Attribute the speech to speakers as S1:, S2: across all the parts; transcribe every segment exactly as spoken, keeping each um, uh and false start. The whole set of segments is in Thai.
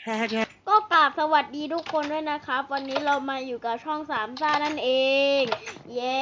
S1: ก็กราบสวัสดีทุกคนด้วยนะครับวันนี้เรามาอยู่กับช่องสามซ่านั่นเองเย้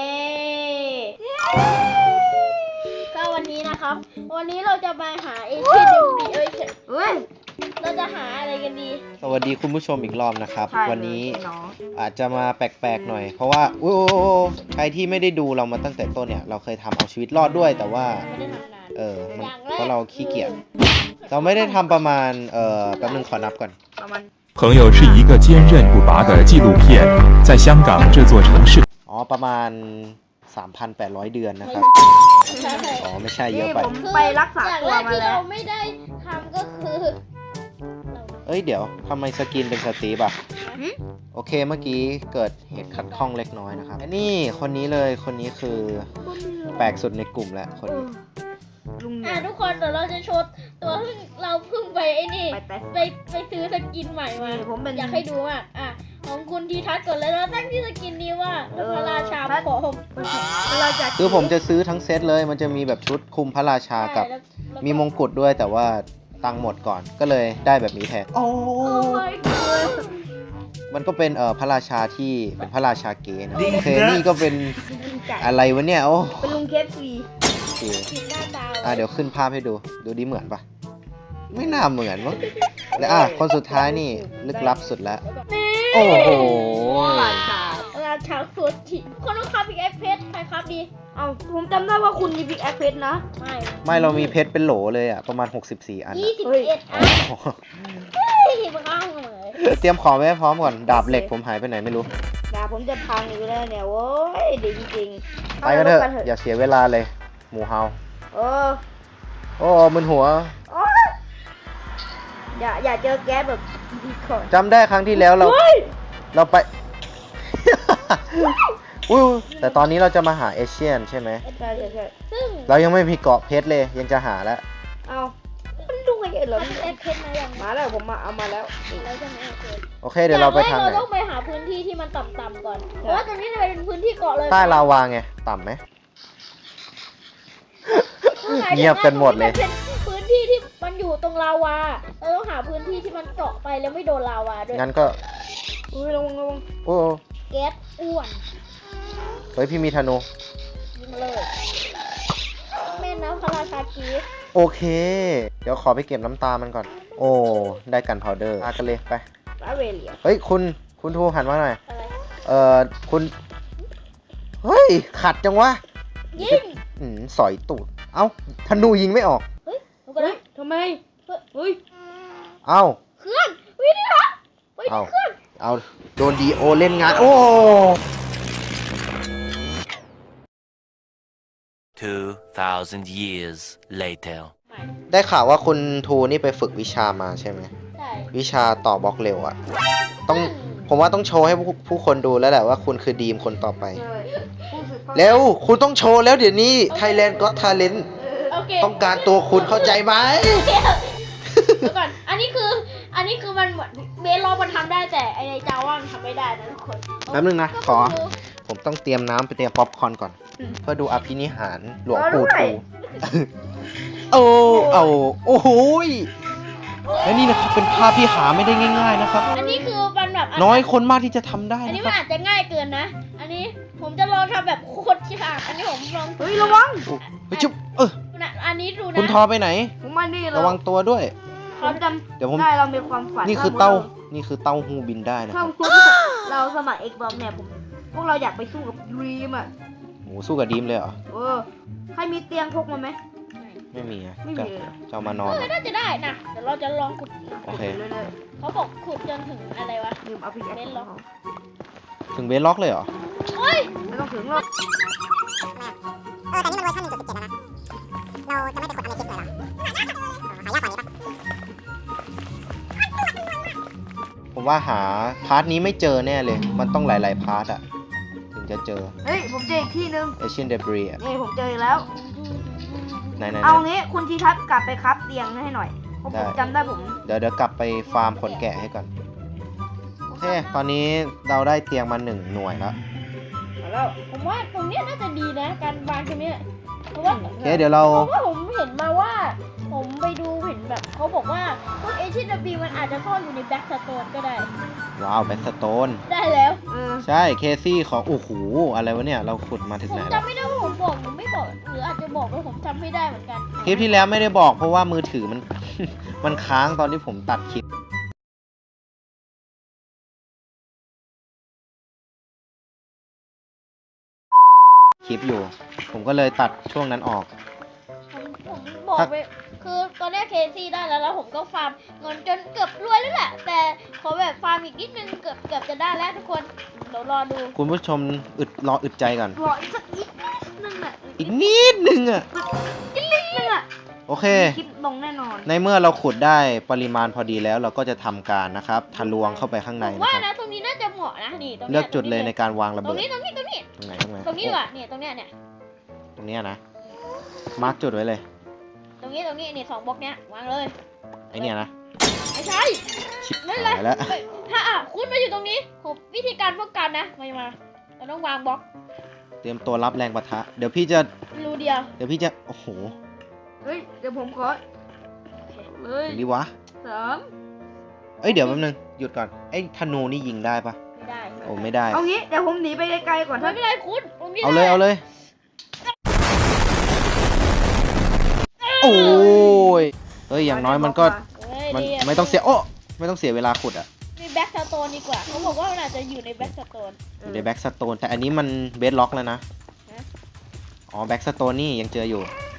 S1: ก็วันนี้นะครับวันนี้เราจะมาหาเอเชียนดีเอ้ยเฮ้ยเราจะหาอะไรกันดี
S2: สวัสดีคุณผู้ชมอีกรอบนะครับวันนี้อาจจะมาแปลกๆหน่อยเพราะว่าโอ้ใครที่ไม่ได้ดูเรามาตั้งแต่ต้นเนี่ยเราเคยทำเอาชีวิตรอดด้วยแต่ว่าเออมันเพราะเราขี้เกียจเราไม่ได้ทำประมาณเออแป๊บนึงขอนับก่อน
S3: 朋友是一个坚韧不拔的纪录片，在香港这座城市。
S2: อ๋อประมาณ สามพันแปดร้อย เดือนนะครับอ๋อไม่ใช่เยอะไป
S1: ผมไปรักษาตัวมาแล้วที่เราไม่ได้ทำก็คือ
S2: เอ้ยเดี๋ยวทำไมสกินเป็นสตีฟอ่ะโอเคเมื่อกี้เกิดเหตุขัดข้องเล็กน้อยนะครับนี่คนนี้เลยคนนี้คือแปลกสุดในกลุ่มแล้วคนนี้
S1: อ่ะทุกคนเดี๋ยวเราจะโชว์ตัวเพิ่งเราเพิ่งไปไอ้นี่ไปไปซื้อสกินใหม่มาอยากให้ดูอ่ะอ่ะของคุณทีทัศน์ก่อนเลยเราตั้งที่สกินนี้ว่าพระราชาผม
S2: คือผมจะซื้อทั้งเซตเลยมันจะมีแบบชุดคุมพระราชากับมีมงกุฎด้วยแต่ว่าตังค์หมดก่อนก็เลยได้แบบนี้แทนโอ้มันก็เป็นเอ่อพระราชาที่เป็นพระราชาเก๋นะโอเคนี่ก็เป็นอะไรวะเนี่ยโอ้
S1: เป็นลุงเคฟซี
S2: อ่ะเดี๋ยวขึ้นภาพให้ดูดูดีเหมือนปะไม่น่าเหมือนมั้งแล้วอ่ะคนสุดท้ายนี่ลึกลับสุดแล้วโอ้โห
S1: ราชาราชาสุดที่คนต้องคาบิกแอคเพชรใครครับดีเอาผมจำได้ว่าคุณมีบิกแอคเพชรนะ
S2: ไม่ไม่เรามีเพชรเป็นโหลเลยอ่ะประมาณหกสิบสี่อัน
S1: ยี่สิบเอ็ดอันเฮ้ยมันอ้าง
S2: เลยเตรียมของไว้พร้อมก่อนดาบเหล็กผมหายไปไหนไม่รู้
S1: ดาบผมจะพังอยู่แล้วเนี่ยโว้ยดีจริง
S2: ๆไปกันเถอะอย่าเสียเวลาเลยหมูเฮา
S1: โอ้
S2: โอ้มึนหัว
S1: อย่าอย่าเจอแก๊สแบบ
S2: จำได้ครั้งที่แล้วเราเราไปอุ้ยแต่ตอนนี้เราจะมาหาเอเชียนใช่ไหม
S1: ใช่ใช่ซึ่ง
S2: เรายังไม่มีเกาะเพชรเลยยังจะหาแล้ว
S1: เอามันดูไงเหรอมีแอคเพชรมาอย่างมาแล้วผมมาเอามาแล้วแล้วจะไม่
S2: โอเคเดี๋ยวเราไปทางไหน
S1: เราต้องไปหาพื้นที่ที่มันต่ำๆก่อนเพราะว่าตรงนี้จะเป็นพื้นที่เกาะเลย
S2: ใต้ลาวาไงต่ำไหมเงียบกันหมดเลย
S1: พื้นที่ที่มันอยู่ตรงลาวาเราต้องหาพื้นที่ที่มันเกาะไปแล้วไม่โดนลาวาด้วย
S2: งั้นก็
S1: อุ้ยระวังระวัง
S2: โอ้
S1: แก๊สอ้วน
S2: เฮ้ยพี่มีธนู
S1: ยิงมาเลยแม่น้ำพระราชากี
S2: โอเคเดี๋ยวขอไปเก็บน้ำตามันก่อนโอ้ได้กันพาวเดอร์มากันเลยไปเฮ้ยคุณคุณทูหันมาหน่อยเอ่อคุณเฮ้ยขัดจังวะ
S1: ยิง
S2: อืมสอยตูดเอ้าธนูยิงไม่ออก
S1: เฮ้ยทำไมเฮ้ย
S2: เอ้า
S1: เคลื่อนวิ่งดิฮะวิ่งเคลื่อน
S2: เอาโดนดีโอเล่นงานโอ้
S4: two thousand years later
S2: ได้ข่าวว่าคุณทูนี่ไปฝึกวิชามาใช่ไหม
S1: ใช่
S2: วิชาต่อบล็อกเร็วอะต้องผมว่าต้องโชว์ให้ผู้ผู้คนดูแล้วแหละว่าคุณคือดีมคนต่อไปแล้วคุณต้องโชว์แล้วเดี๋ยวนี้ Thailand Got Talent ต้องการตัวคุณเข้าใจไหม
S1: เดี๋ยวก่อนอันนี้คืออันนี้คือมันเหมือนเบสล็อกมันทำได้แต่ไอ้ในจาว่างทำไม่ได้นะทุกคน
S2: แป๊บนึงนะขอผมต้องเตรียมน้ำไปเตรียมป๊อปคอร์นก่อนเพื่อดูอภินิหารหลวงปู่ทูโอ้เอาโอ้โหและนี่นะครับเป็นภาพที่หาไม่ได้ง่ายๆนะครับ
S1: อันนี้คือมันแบบ
S2: น้อยคนมากที่จะทำได้
S1: อันนี้มันอาจจะง่ายเกินนะอันนี้ผมจะลองทำแบบโคตรยากอันนี้ผมลองเฮ้ยระวัง
S2: เฮ้ยชุบเออ
S1: อันนี้ดูนะ
S2: คุณทอไปไหน
S1: ผมมานี่
S2: ระวังตัวด้วย
S1: เขาจำเดี๋ยวผมได้เรามีความฝัน
S2: นี่คือเต้านี่คือเต้าหูบินได้นะ
S1: เราสมัครเอ็กบอมเนี่ยผมพวกเราอยากไปสู้กับดีมอ่ะ
S2: โอ้สู้กับดีมเลยเหรอ
S1: เออใครมีเตียงพกมาไหม
S2: ไม่มีอ่ะจะจะมานอน
S1: น่าจะได้นะเดี๋ยวเราจะลองขุด
S2: โอเค
S1: เขาบอกขุดจนถึงอะไรวะลืมเอาพิกเบสล็อก
S2: ถึงเบสล็อกเลยเหรอ
S1: เฮ้ยไม่ต้องถึงหรอก
S5: เออแต่นี่มันเวอร์ชัน หนึ่งจุดสิบเจ็ด แล้วนะเราจะไม่ไปขุดอเมทิสต์เลยเหรอหายากกว่านี้ปะ
S2: ผมว่าหาพาร์ทนี้ไม่เจอแน่เลยมันต้องหลายๆพาร์ทอะถึงจะเจอ
S1: เฮ้ยผมเจออีกที่นึง
S2: เอเชียนเดบรีอะ
S1: นี่ผมเจอแล้ว
S2: ไหนๆ
S1: เอางี้คุณทีทัศน์กลับไปครับเตียงให้หน่อยผมจำได้ผม
S2: เดี๋ยวเดี๋ยวกลับไปฟาร์มขนแกะให้ก่อนโอเคตอนนี้เราได้เตียงมาหนึ่งหน่วยแล้ว
S1: แล้วผมว่าตรงนี้น่าจะดีนะการวางตรงนี้เพราะว่า
S2: โอเคเดี๋ยวเรา
S1: เพราะว่าผมเห็นมาว่าผมไปดูเห็นแบแบบเขาบอกว่าพวกเอเชียนบีมันอาจจะซ่อนอยู่ในแบ็กสโตนก็ได้
S2: ว้าวแบ็กสโตน
S1: ได้แล้ว
S2: ใช่เคซี่ของโอ้โหอะไรวะเนี่ยเราขุดมาถึง
S1: ผ
S2: ไหน
S1: ม
S2: แล้ว
S1: จำไม่ได้ว่าผมบอกหรือไม่บอกหรืออาจจะบอกแล้วผมจำไม่ได้เหมือนกัน
S2: คลิปที่แล้วไม่ได้บอกเพราะว่ามือถือมัน มันค้างตอนที่ผมตัดคลิปคลิปอยู่ ผมก็เลยตัดช่วงนั้นออก
S1: ผมผมบอกไปคือตอนแรกเคซี่ได้แล้วแล้วผมก็ฟาร์มเงินจนเกือบรวยแล้วแหละแต่ขอแบบฟาร์มอีกนิดนึงเกือบเกือบจะได้แล้วทุกคนเดี๋ยวรอดู
S2: คุณผู้ชมอึดรออึดใจก่อน
S1: รออีกสักนิดนึงอ่ะ
S2: อีกนิดนึงอ่ะ
S1: นิดนึงอ่ะ
S2: โอเค
S1: คลิปลงแน่นอน
S2: ในเมื่อเราขุดได้ปริมาณพอดีแล้วเราก็จะทำการนะครับทะลวงเข้าไปข้างใน
S1: ผม
S2: นะ
S1: ว่า
S2: ครับ
S1: นะตรงนี้น่าจะเหมาะนะนี่ตรงนี้ย
S2: เลือกจุดเลยในการวางระ
S1: ตร
S2: เบิ
S1: ง
S2: ด
S1: นี้ตรงนี้ตรงนี้
S2: ตรงไหนตรงไหน
S1: ตรงนี้ดีกว่าเนี่ยตรงเนี้ยเนี่ย
S2: ตรงเนี้ยนะมาร์กจุดไว้เลย
S1: ตรงนี้ตรงนี้นี่สองบล็อกเนี้ยวางเลย
S2: ไอเนี้ยนะ
S1: ไม่ใช่
S2: ชิบ
S1: นั่นแหละ
S2: หายแล้ว
S1: ไม่ถ้าอ่ะคุณมาอยู่ตรงนี้ผมวิธีการป้องกันนะมามาเราต้องวางบล็อก
S2: เตรียมตัวรับแรงปะทะ เดี๋ยวพี่จะ
S1: รูเดียว
S2: เดี๋ยวพี่จะโอ้โห
S1: เฮ้ยเดี๋ยวผมขอเลย
S2: ดีวะ
S1: สาม
S2: เอ้ยเดี๋ยวแป๊บนึงหยุดก่อนไอ้ธนูนี่ยิงได้ปะ
S1: ไม่ได้
S2: โอ้ไม่ได้
S6: เอางี้เดี๋ยวผมหนีไปไกลๆก่อน
S1: ไม่เป็นไรคุณผมมี
S2: เอาเลยเอาเลย โอ้ยเฮ้ยอย่างน้อยมันก็
S1: เฮ้ย
S2: มัน
S1: ดีะ
S2: ไม่ต้องเสียโอ้ไม่ต้องเสียเวลาขุดอ่ะ
S1: มีแบ็กสโตนดีกว่าเขาบอกว่ามันอาจจะอยู่ในแบ็กสโตน
S2: อยู่ในแบ็กสโตนแต่อันนี้มันเบสล็อกแล้วนะ
S1: ฮะ
S2: อ๋อแบ็กสโตนนี่ยังเจออยู่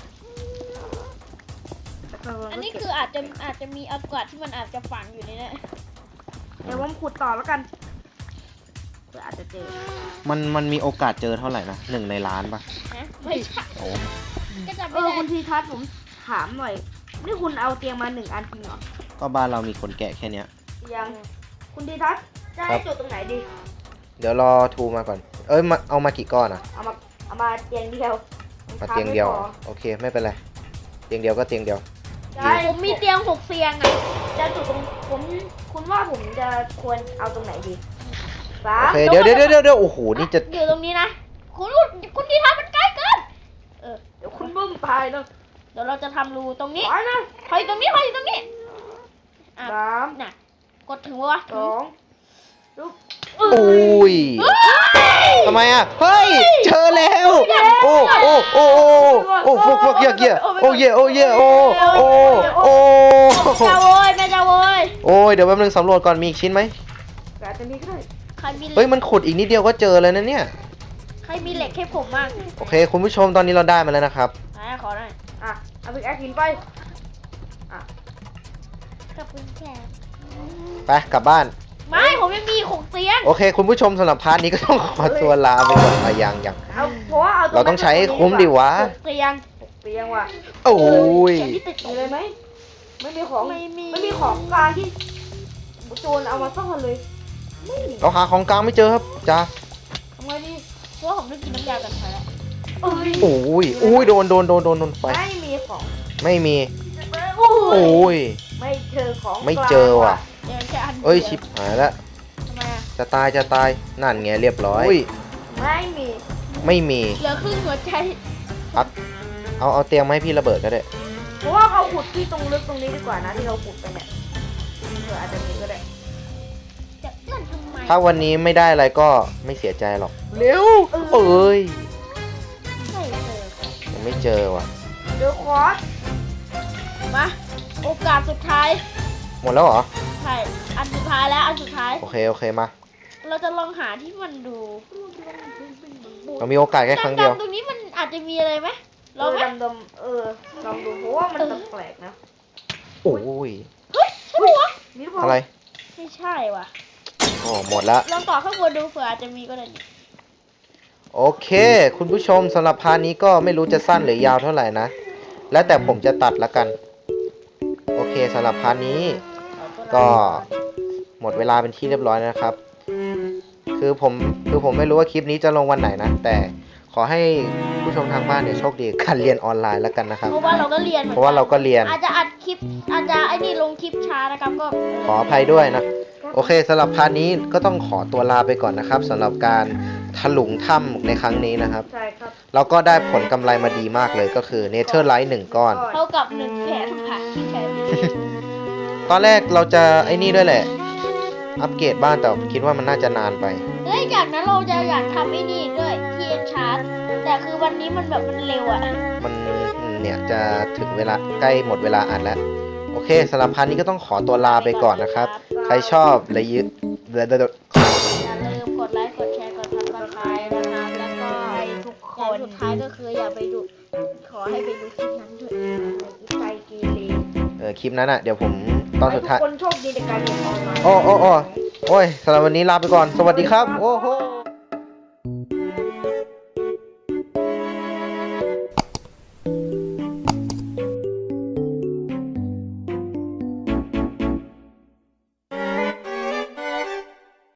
S1: อันนี้คืออาจจะอาจจะมีอากาศที่มันอาจจะฝังอยู่ในนั้น
S6: เดี๋ยวผมขุดต่อแล้วกันเผื่ออาจจะเจอ
S2: มันมันมีโอกาสเจอเท่าไหร่นะหนึ่งในล้านปะ
S1: นะไม่ใช่
S2: โอ้
S1: ก็จะ
S6: เอ
S1: ไม่
S6: อ
S1: ได้
S6: คุณทีทัศน์ผมถามหน่อย นี่คุณเอาเตียงมาหนึ่งอันจริงเหรอ
S2: ก็บ้านเรามีคนแกะแค่เนี้ย
S6: ยังคุณทีทัศน์จะให้จุดตรงไหนดี
S2: เดี๋ยวรอทูมาก่อน เอ้ยมาเอามากี่ก้อนอ่ะ
S6: เอามาเอามาเตียงเดียว
S2: มาเตียงเดียว
S6: ไม่พอ
S2: โอเคไม่เป็นไร เตียงเดียวก็เตียงเดียว
S6: ใช่
S1: ผมมีเตียงหกเตียงอ่ะ
S6: จะจุดตรงผมคุณว่าผมจะควรเอาตรงไหนดีสา
S2: โอ
S6: ม
S2: เคเดี๋ยวเดี๋ยวเดี๋ยวเดี๋ยวโอ้โหนี่จะ
S1: อยู่ตรงนี้นะคุณคุณคุณที่ทำมันใกล้เกินเออ
S6: เดี๋ยวคุณบึ้มตายนะ
S1: เดี๋ยวเราจะทำรูตรงนี้
S6: ถอยนะ
S1: ถอยตรงนี้ถอยตรงนี้อ่ะ
S6: สาม
S1: น่ะกดถึงวะ
S6: สองลุก
S2: โอ้ยทำไมอ่ะ เฮ้ย เจอแล้ว โอ้ โอ้ โอ้ โอ้ โอ้ฟุกฟุกเยอะเยอะโอ้เยโอ้เยโอ้ โอ้ โอ้
S1: จะโวยแม่จะโวย
S2: โอ้ยเดี๋ยวแป๊บนึงสำรวจก่อนมีอีกชิ้นไหม
S6: อาจจะมีก็ได้
S1: ใครมีเห
S2: เฮ้
S1: ล็
S2: ย
S1: ก
S2: มันขุดอีกนิดเดียวก็เจอเลยนะเนี่ย
S1: ใครมีเหล็กให้ผมบ้าง
S2: โอเค คุณผู้ชมตอนนี้เราได้มาแล้วนะครับ
S1: อ่ะขอหน่อย
S6: อ่ะเอาพิกแอคหินไปอ่ะ
S1: ขอบคุณแค่
S2: ไปกลับบ้าน
S1: ไม่ผมยังมีหกเตียง
S2: โอเค คุณผู้ชมสำหรับพาร์ทนี้ก็ต้องขอตัวลาไปก่อนไปยังยัง
S6: เอาเพราะว่าเอา
S2: เราต้องใช้ให้คุ้มดิวะ
S1: หกเตียง
S6: เตียงว่ะ
S2: โอ้ย
S1: เตียงที่ติด
S6: มีเลยไหมไม่มีของ
S1: ไม่มี
S6: ไม่มีของกลางที่โจรเอามาซ่อนเลยไม่มี
S2: เราหาของกลางไม่เจอครับจ้า
S1: ทำไงดีเพราะว่าผมต้องกินน้ำยากันไฟแล้ว
S6: เอ้ย
S2: โอ้ยโอ้ยโดนโดนโดนโดนโดนไฟ
S6: ไม่มีของ
S2: ไม่มี
S6: โอ้
S2: โอ้ย
S6: ไม่เจอของ
S2: ไม่เจอว่ะ
S1: เดี๋ยวแค่อันดีว
S2: เอ้ยชิบหายแล้ว
S1: ทำไมอ่ะ
S2: จะตายจะตายนั่นไงเรียบร้อยอุ้ย
S6: ไม่มี
S2: ไม่มี
S1: เหลือครึ่งหัวใจ
S2: เอาเอาเตียงมาให้พี่ระเบิดก็ได้
S6: เพราะว่าเขาขุดที่ตรงลึกตรงนี้ดีกว่านะที่เราขุดไปเนี่ยเผื่ออาจจะมีก็ได้
S1: จะเลื่อนทำไม
S2: ถ้าวันนี้ไม่ได้อะไรก็ไม่เสียใจหรอกเร็วเอ้ย
S1: ไม่เจอ
S2: ยังไม่เจอว่ะ
S6: เดี๋ยวคอร์ส
S1: มาโอกาสสุดท้าย
S2: หมดแล้วเหรอ
S1: ใช่อันสุดท้ายแล้วอันสุดท้าย
S2: โอเคโอเคมา
S1: เราจะลองหาที่มันดู
S2: เรามีโอกาสแค่ครั้งเดียว
S1: ดำๆตรงนี้มันอาจจะมีอะไรไหม
S6: เอ
S1: ลอง
S6: อ
S1: ไหม
S6: ดำๆเออลองดูเพราะว่ามันแปลกๆนะ
S2: โอ้ย
S1: เฮ้ยใช่ปะวะ
S6: มีหรือเปล่า
S2: อะไร
S1: ไม่ใช่ว่ะ
S2: โอ้หมดแล้ว
S1: ลองต่อข้างบนดูเผื่ออาจจะมีก็ได้นี่
S2: โอเค คุณผู้ชมสำหรับพาร์ทนี้ก็ไม่รู้จะสั้นหรือยาวเท่าไหร่นะ แล้วแต่ผมจะตัดละกัน โอเคสำหรับพาร์ทนี้ ก็หมดเวลาเป็นที่เรียบร้อยแล้วนะครับ คือผมคือผมไม่รู้ว่าคลิปนี้จะลงวันไหนนะ แต่ขอให้ผู้ชมทางบ้านเนี่ยโชคดีกับการเรียนออนไลน์แล้วกันนะครับ
S1: เพราะว่าเราก็เรียนหมือน
S2: เพราะว่าเราก็เรียน
S1: อาจจะอัดคลิปอาจจะไอ้นี่ลงคลิปช้านะครับก็
S2: ขออภัยด้วยนะ โอเคสำหรับพาร์ทนี้ก็ต้องขอตัวลาไปก่อนนะครับสำหรับการถลุงถ้ำในครั้งนี้นะครับ
S6: ใช่ครับ
S2: เราก็ได้ผลกำไรมาดีมากเลยก็คือเนเธอร์ไลท์หนึ่งก้อน
S1: เท่ากับหนึ่งแผลผักที่แผลนี้
S2: ตอนแรกเราจะไอ้นี่ด้วยแหละ อัปเกรดบ้านแต่คิดว่ามันน่าจะนานไป
S1: เฮ้ยจากนั้นเราจะอยากทำไอ้นี่ด้วยที่เอ็นชาร์จแต่คือวันนี้มันแบบมันเร็วอะ
S2: มันเนี่ยจะถึงเวลาใกล้หมดเวลาอัดแล้ว โอเคสำหรับพันนี้ก็ต้องขอตัวลาไปก่อนนะครับ ใครชอบและยึด
S1: อย่าลืมกดไลค์กดแชร์กดซับสไครต์นะครับแล้วก็ทุกคนสุดท้ายก็คืออย่าไปดูขอให้ไปดูคลิปนั้นด้วย
S6: ใจเกีเร
S2: เออคลิปนั้นอ่ะเดี๋ยวผมตอนสุดท้าย
S6: ให้ทุกคนโชคดีในการเรียนออนไลน์
S2: โอ้โอ้โอ้โอ้ยสำหรับวันนี้ลาไปก่อน สวัสดีครับ โอ้โห